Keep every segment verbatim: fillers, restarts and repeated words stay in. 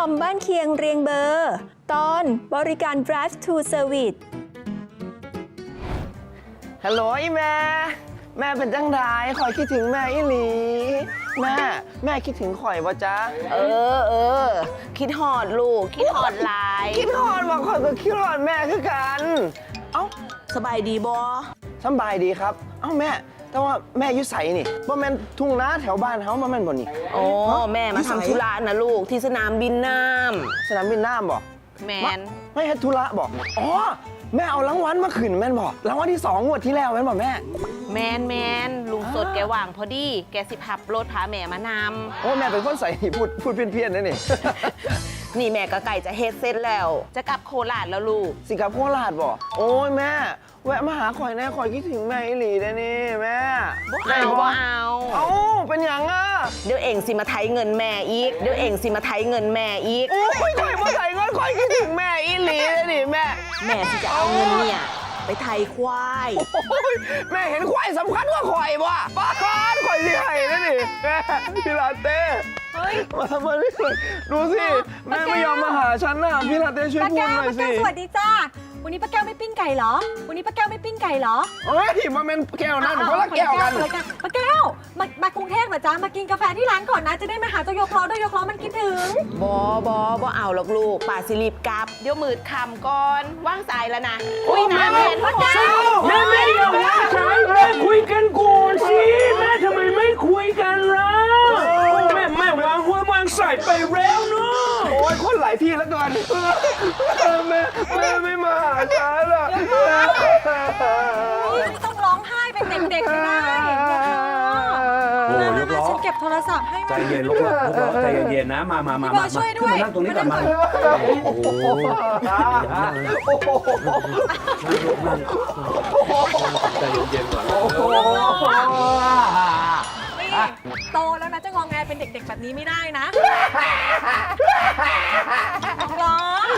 อมบ้านเคียงเรียงเบอร์ ตอนบริการ drive to service ฮัลโหลอีแม่แม่เป็นจังไดคอยคิดถึงแม่อีหลีแม่แม่คิดถึงข่อยบ่จ๊ะเออเออคิดหอดลูกคิดหอดหลายคิดฮอดว่าข่อยก็คิดฮอดแม่คือกันเอ้าสบายดีบอสบายดีครับเอ้าแม่แต่ว่าแม่อยู่ไสนี่บ่แม่นทุ่งนาแถวบ้านเฮาบ่แม่นบ่นี่โอ้แม่มาทำธุระนะลูกที่สนามบินน้สนามบินน้ำบ่ำแมนไม่เฮ็ดธุระบ่อ๋อแม่เอารางวัลมาขึ้นแม่นบ่รางวัลที่สองงวดที่แล้วแม่นบ่แม่แมนแมนลุงสดแกว่างพอดีแกสิพับรถพาแม่มานโอ้แม่เป็นคนใส่พูดพูดเพี้ยนๆนะนี่ำนี่แม่ก็ไก่จะเฮ็ดเสร็จแล้ว จะกลับโคราชแล้วลูกสิกับโคราชบ่โอ้ยแม่แวะมาหาข่อยแน่ข่อยคิดถึงแม่อีหลีได้นี่แม่บ่เอาบ่เอาเอ้าเป็นหยังอ่ะเดี๋ยวเองสิมาไถเงินแม่อีกเดี๋ยวเองสิมาไถเงินแม่อีกโอ้ยข่อยมาใส่เงินข่อยคิดถึงแม่อีหลีได้นี่แม่แม่ที่จะเอาเงินเนี่ยไปไถควายโอ้ยแม่เห็นควายสำคัญกว่าข่อยบ่ป้าคอนข่อยสิให้ได้นี่แม่พี่ลาเต้เฮ้ยมาทำอะไรดูสิแม่ไม่ยอมมาหาฉันน่ะพี่ลาเต้ช่วยพูดหน่อยสิป้าแก้วสวัสดีจ้าวันนี้ป้าแก้วไม่ปิ้งไก่เหรอ วันนี้ป้าแก้วไม่ปิ้งไก่เหรอเฮ้ยมาเป็นแก้วนั่นคนละแก้วกันป้าแก้วมามากรุงเทพเหรอจ๊ะมากินกาแฟที่ร้านก่อนนะจะได้มาหาเจ้ายกล้อด้วยยกล้อมันคิดถึงบอบอบอเอาหรอกลูกป่าสิรีบกลับเดี๋ยวมืดคำก่อนว่างสายแล้วนะอุ้ยนะแม่ป้าแก้วแม่ไม่ยอมว่าฉันแม่คุยกันก่อนสิแม่ทำไมไม่คุยกันล่ะแม่แม่วางหัววางใส่ไปแล้วเนาะโอ้ยคนหลายที่แล้วกันแม่แม่ไม่มาหาฉันอ่ะนี่ไม่ต้องร้องไห้เป็นเด็กๆเลยนะโอ้มาย มากล้อฉันเก็บโทรศัพท์ให้ใจเย็นลูกล้อลูกล้อใจเย็นๆนะมามามาพี่บมาอยช่วยด้ขึ้นวยมานั่งตรงนี้ก่อนมาโอ้โหใจเย็นๆก่อนนี่โตแล้วนะจะงองแงเป็นเด็กๆแบบนี้ไม่ได้นะร้อง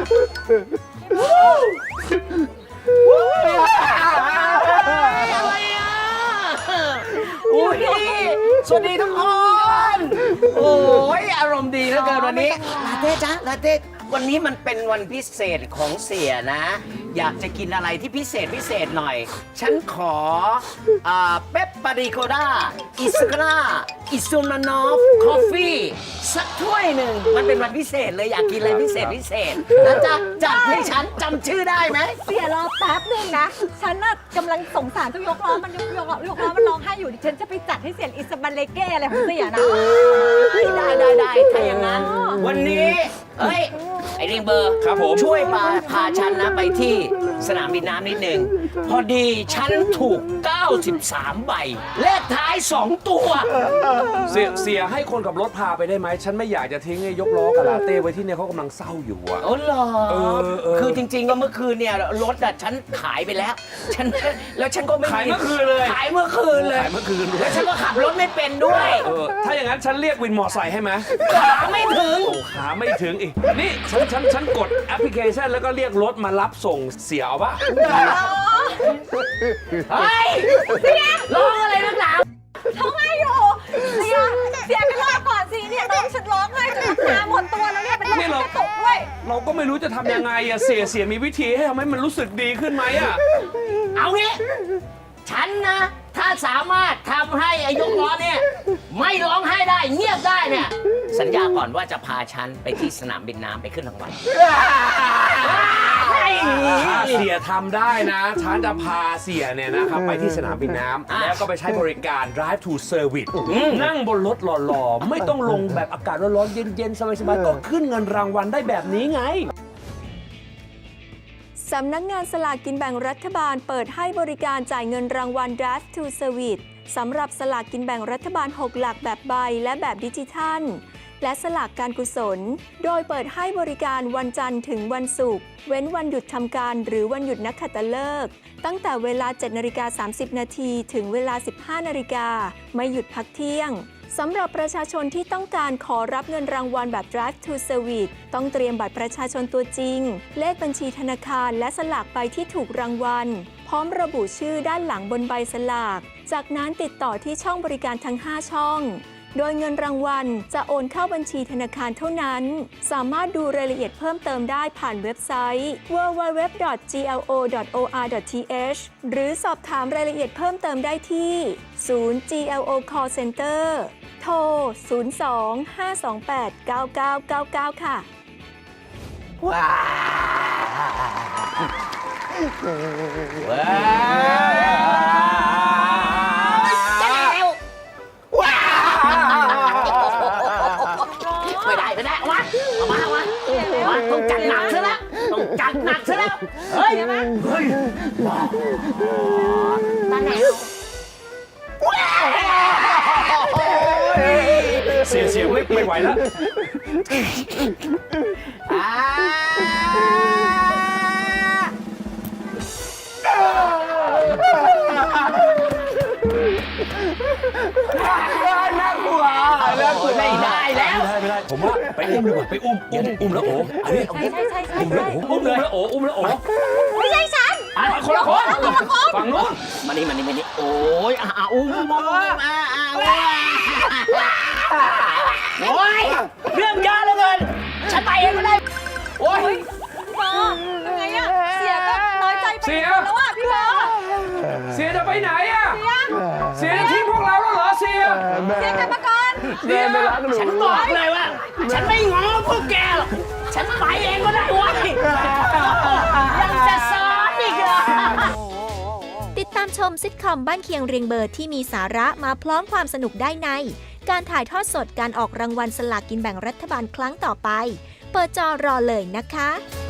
อะไรอ่ะอุ้ยสวัสดีทุกคนโอ้ยอารมณ์ดีเหลือเกินวันนี้ลาเต้จ้ะลาเต้วันนี้มันเป็นวันพิเศษของเสียนะ อยากจะกินอะไรที่พิเศษพิเศษหน่อย ฉันขออ่าเปปปาริโกด้าอิสกราอิซูมานอฟคอฟฟี่สักถ้วยหนึ่งมันเป็นวันพิเศษเลยอยากกินอะไรพิเศษพิเศษนะจ๊ะจัดให้ฉันจำชื่อได้ไหมเสียรอแป๊บนึงนะ ฉันน่ะกำลังสงสารเจ้ายกล้อมันยกยกล้อยกล้อมันร้องไห้อยู่ดิฉันจะไปจัดให้เสียอิสบันเลเก้อะไรของเสียนะได้ได้ได้ถ้าอย่างนั้น วันนี้เฮ้ย ไอเรียงเบอร์ครับผมช่วยพาพาฉันนะไปที่สนามบินน้ำนิดนึง พอดีฉันถูก เก้าสิบสาม ใบ เลขท้าย สอง ตัวเสียเสียให้คนกับรถพาไปได้ไหมฉันไม่อยากจะทิ้งไอ้ยกล้อกับลาเต้ไว้ที่เนี่ยเขากำลังเศร้าอยู่อะโอ้เหรอเออเออคือจริงๆก็เมื่อคืนเนี่ยรถอะฉันขายไปแล้ว ฉันแล้วฉันก็ไม่ขายเมื่อคืนเลยขายเมื่อคืนเลยขายเมื่อคืนด้วแล้ยวฉันก็ขับรถไม่เป็นด้วยเออถ้าอย่างนั้นฉันเรียกวินมอไซค์ให้ไหมขาไม่ถึงโอ้ขาไม่ถึงอีก นี่ฉันฉันฉันกดแอปพลิเคชันแล้วก็เรียกรถมารับส่งเสียเอาปะเฮ้ยเสียร้องอะไรนักหนาร้องไห้อยู่เสียเสียไปรอบก่อนสิเนี่ยน้องฉันร้องไห้จนน้ำตาหมดตัวแล้วเนี่ยเป็นลมกระตุกด้วยเราก็ไม่รู้จะทำยังไงอะเสียเสียมีวิธีให้ทำให้มันรู้สึกดีขึ้นไหมอะเอางี้ ฉันนะ ถ้าสามารถทำให้อายุล้อเนี่ย ไม่ร้องไห้ได้เงียบได้เนี่ย สัญญาก่อนว่าจะพาฉันไปที่สนามบินน้ำไปขึ้นรางวัลถ้าเสียทำได้นะ ฉันจะพาเสียเนี่ยนะครับไปที่สนามบินน้ำแล้วก็ไปใช้บริการ drive to service นั่งบนรถหล่อๆ ไม่ต้องลงแบบอากาศร้อนๆ เย็นๆ สบายๆ ก็ขึ้นเงินรางวัลได้แบบนี้ไงสำนักงานสลากกินแบ่งรัฐบาลเปิดให้บริการจ่ายเงินรางวัล drive to service สำหรับสลากกินแบ่งรัฐบาลหกหลักแบบใบและแบบดิจิทัล และสลากการกุศล โดยเปิดให้บริการวันจันทร์ถึงวันศุกร์เว้นวันหยุดทำการหรือวันหยุดนักขัตฤกษ์ตั้งแต่เวลา เจ็ดนาฬิกาสามสิบ นาทีถึงเวลา สิบห้า นาฬิกาไม่หยุดพักเที่ยง สำหรับประชาชนที่ต้องการขอรับเงินรางวัลแบบ drive to service ต้องเตรียมบัตรประชาชนตัวจริง เลขบัญชีธนาคารและสลากใบที่ถูกรางวัลพร้อมระบุชื่อด้านหลังบนใบสลากจากนั้นติดต่อที่ช่องบริการทั้งห้าช่องโดยเงินรางวัลจะโอนเข้าบัญชีธนาคารเท่านั้น สามารถดูรายละเอียดเพิ่มเติมได้ผ่านเว็บไซต์ ดับเบิลยู ดับเบิลยู ดับเบิลยู ดอท จี แอล โอ ดอท โอ อาร์ ดอท ที เอช หรือสอบถามรายละเอียดเพิ่มเติมได้ที่ ศูนย์ จี แอล โอ Call Center โทร ศูนย์ สอง ห้า สอง แปด เก้า เก้า เก้า เก้า ค่ะว้าวว้าวว้าวไม่ได้ไม่ได้เอามาเอามาเอามาเอามาต้องจัดหนักซะแล้วต้องจัดหนักซะแล้วเฮ้ยเฮ้ยตาแหนวเสียเสียไม่ไม่ไหวแล้วอ่าน่ากลัวน่ากลัวไม่ได้แล้วไม่ได้ไม่ได้ผมว่าไปอุ้มดีกว่าไปอุ้มอุ้มอุ้มแล้วโอ้อันนี้ใช่ใช่ใช่ใช่อุ้มแล้วโอ้อุ้มแล้วโอ้อุ้มแล้วโอ้ไม่ใช่ฉันอ่ะคนละคนฝั่งนู้นมานี่มานี่มานี่โอ้ยอ่าอุ้มอุ้มอุ้มอ่าอ่าโอ้ยเรื่องเยอะเหลือเกินฉันไปเองก็ได้โอ้ยพี่บอยังไงอะเสียก็น้อยใจไปแล้วอะพี่บอเสียจะไปไหนอ่ะเสียจะทิ้งพวกเราแล้วเหรอเสียเสียกรรมกรแม่ไม่รักหนูฉันบอกเลยว่าฉันไม่ง้อพวกแกหรอกฉันไปเองก็ได้เว้ยยังจะซ้อนอีกเหรอติดตามชมซิทคอมบ้านเคียงเรียงเบอร์ที่มีสาระมาพร้อมความสนุกได้ใน การถ่ายทอดสดการออกรางวัลสลากกินแบ่งรัฐบาลครั้งต่อไป เปิดจอรอเลยนะคะ